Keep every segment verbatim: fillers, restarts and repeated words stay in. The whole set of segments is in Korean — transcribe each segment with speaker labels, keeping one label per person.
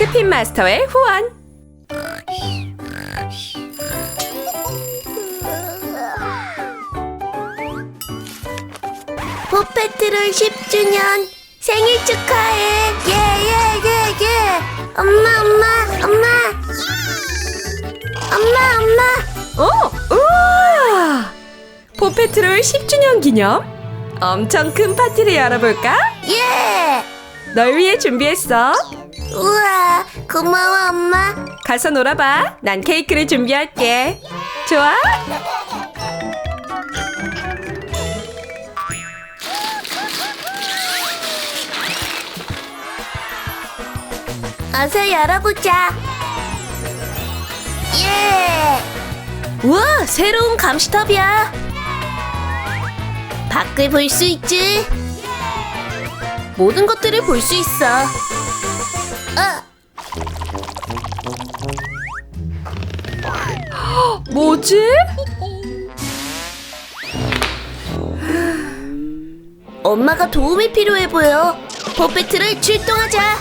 Speaker 1: 스핀 마스터의 후원.
Speaker 2: 포페트롤 십 주년 생일 축하해. 예예예예. 엄마 엄마 엄마 엄마 엄마.
Speaker 1: 오! 우와! 포페트롤 십 주년 기념 엄청 큰 파티를 열어볼까?
Speaker 2: 예.
Speaker 1: 널 위해 준비했어.
Speaker 2: 우와 고마워 엄마.
Speaker 1: 가서 놀아봐. 난 케이크를 준비할게. 좋아?
Speaker 2: 어서 열어보자. 예. 우와 새로운 감시탑이야. 밖을 볼 수 있지. 모든 것들을 볼 수 있어. 어.
Speaker 1: 뭐지?
Speaker 2: 엄마가 도움이 필요해 보여. 포페트를 출동하자.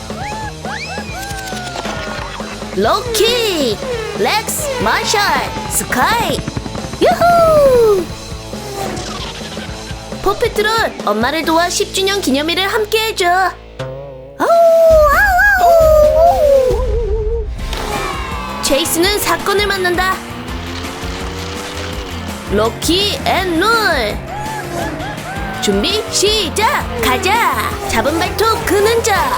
Speaker 2: 로키, 렉스, 마샬, 스카이. 유후! 포페트롤 엄마를 도와 십 주년 기념일을 함께 해줘. 아우, 아우, 아우. 체이스는 사건을 만난다. 로키 앤 롤. 준비 시작. 가자. 잡은 발톱 그는 자.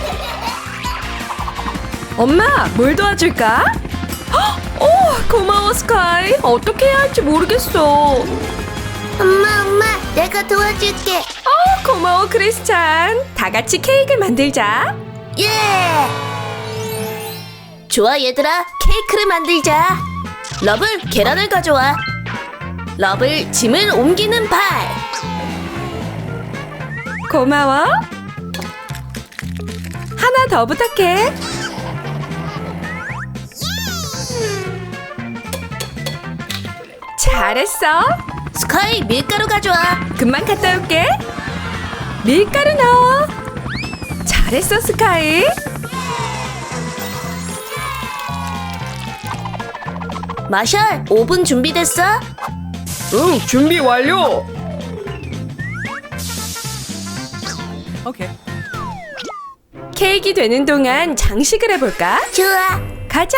Speaker 1: 엄마, 뭘 도와줄까? 헉! 오, 고마워 스카이. 어떻게 해야 할지 모르겠어.
Speaker 2: 엄마 엄마 내가 도와줄게.
Speaker 1: 어, 고마워 크리스찬. 다 같이 케이크를 만들자.
Speaker 2: 예. 좋아 얘들아 케이크를 만들자. 러블 계란을 가져와. 러블 짐을 옮기는 발.
Speaker 1: 고마워. 하나 더 부탁해. 잘했어.
Speaker 2: 스카이 밀가루 가져와.
Speaker 1: 금방 갔다 올게. 밀가루 넣어. 잘했어 스카이.
Speaker 2: 마샬 오븐 준비됐어?
Speaker 1: 응, 준비 완료. 오케이. 케이크 되는 동안 장식을 해볼까?
Speaker 2: 좋아.
Speaker 1: 가자.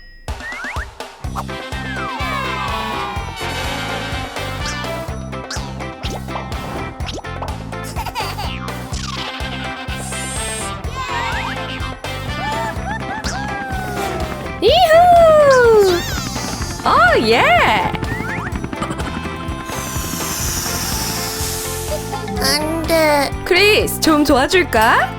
Speaker 1: 이후! 오, 예!
Speaker 2: 안돼.
Speaker 1: 크리스, 좀 도와줄까?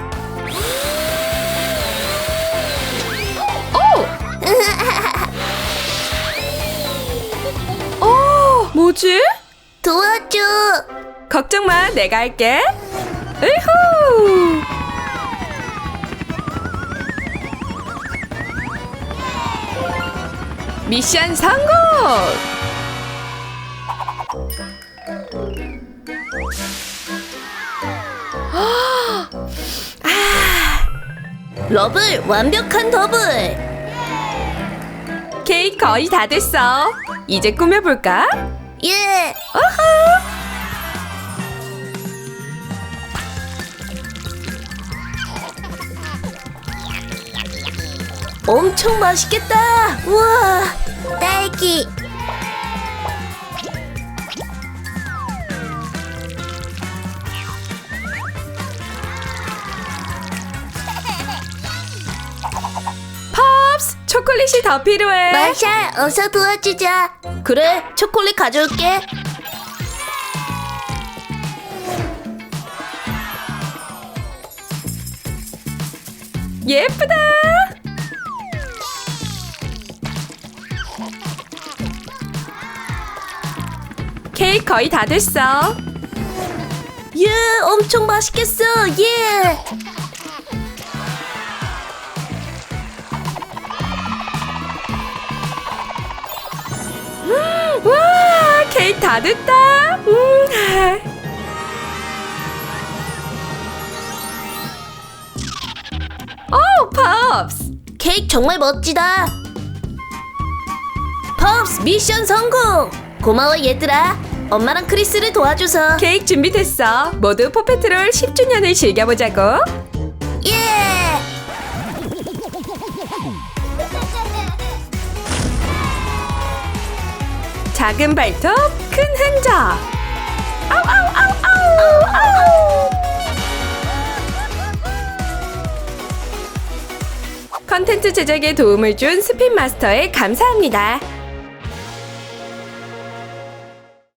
Speaker 1: 오! 오, 뭐지?
Speaker 2: 도와줘.
Speaker 1: 걱정 마, 내가 할게. 으후! 미션 성공!
Speaker 2: 러블 완벽한 더블.
Speaker 1: 케이크 거의 다 됐어. 이제 꾸며볼까?
Speaker 2: 예.
Speaker 1: 어허!
Speaker 2: 엄청 맛있겠다. 우와. 딸기.
Speaker 1: 팝스, 초콜릿이 더 필요해.
Speaker 2: 마샬 어서 도와주자. 그래 초콜릿 가져올게.
Speaker 1: 예쁘다. 케이크 거의 다 됐어.
Speaker 2: 예 엄청 맛있겠어. 예.
Speaker 1: 음, 와, 케이크 다 됐다. 음. 오, 팝. 팝스.
Speaker 2: 케이크 정말 멋지다. 팝스 미션 성공. 고마워 얘들아. 엄마랑 크리스를 도와줘서.
Speaker 1: 케이크 준비됐어. 모두 포페트롤 십 주년을 즐겨보자고.
Speaker 2: 예.
Speaker 1: 작은 발톱, 큰 흔적. 아우 아우 아우 아우 아우. 컨텐츠 제작에 도움을 준 스핀마스터에 감사합니다.